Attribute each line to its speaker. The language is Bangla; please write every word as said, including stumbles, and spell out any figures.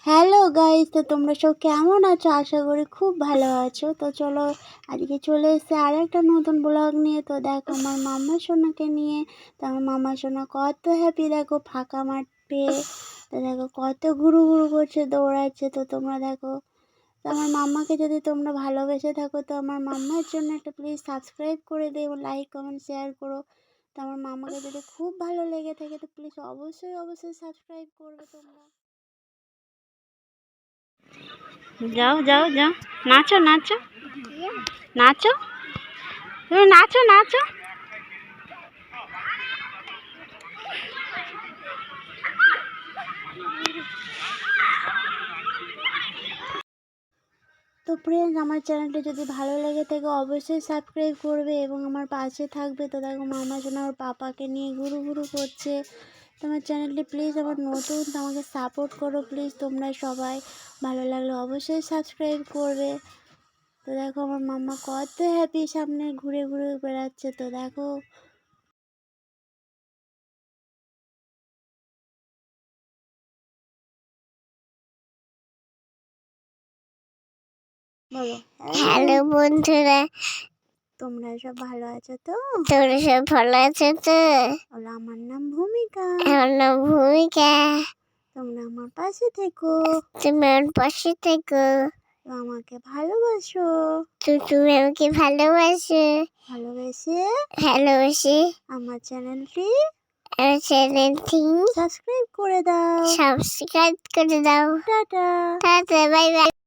Speaker 1: হ্যালো গাইস, তো তোমরা সব কেমন আছো? আশা করি খুব ভালো আছো। তো চলো আজকে চলে এসেছে আর একটা নতুন ব্লগ নিয়ে। তো দেখো আমার মাম্মা সোনাকে নিয়ে। তো আমার মাম্মা সোনা কত হ্যাপি, দেখো ফাঁকা মাঠ পেয়ে। তো দেখো কত ঘুরু ঘুরু করছে, দৌড়াচ্ছে। তো তোমরা দেখো, তো আমার মাম্মাকে যদি তোমরা ভালোবেসে থাকো তো আমার মাম্মার জন্য একটা প্লিজ সাবস্ক্রাইব করে দিও, লাইক কমেন্ট শেয়ার করো। তো আমার মাম্মাকে যদি খুব ভালো লেগে থাকে তো প্লিজ অবশ্যই অবশ্যই সাবস্ক্রাইব করবে তোমরা। যাও যাও যাও, নাচো নাচো নাচো, তুমি নাচো নাচো। তো ফ্রেন্ডস, আমার চ্যানেলটা যদি ভালো লেগে থাকে অবশ্যই সাবস্ক্রাইব করবে এবং আমার পাশে থাকবে। তো দেখো মামা শোনা ওর পাপাকে নিয়ে ঘুরু ঘুরু করছে। তোমার চ্যানেলটি প্লিজ আমার নতুন, তো আমাকে সাপোর্ট করো প্লিজ তোমরা সবাই। ভালো লাগলে অবশ্যই সাবস্ক্রাইব করবে। তো দেখো আমার মাম্মা কত হ্যাপি, সামনে ঘুরে ঘুরে বেড়াচ্ছে। তো দেখো বলো,
Speaker 2: হ্যালো বন্ধুরা,
Speaker 1: তোমরা সব ভালো আছো তো?
Speaker 2: তোমরা সব ভালো আছো তো?
Speaker 1: বলো, আমার নাম ভূমিকা।
Speaker 2: আমার নাম ভূমিকা।
Speaker 1: তোমরা আমার পাশে থেকো,
Speaker 2: তুমি আমার পাশে থেকো।
Speaker 1: আমাকে ভালোবাসো।
Speaker 2: তো তুমি আমাকে ভালোবাসো।
Speaker 1: ভালোবেসে
Speaker 2: ভালোবাসি
Speaker 1: আমার চ্যানেলটি
Speaker 2: আমার চ্যানেলটি
Speaker 1: সাবস্ক্রাইব করে দাও।
Speaker 2: সাবস্ক্রাইব করে দাও।
Speaker 1: টাটা।
Speaker 2: Tata, bye by.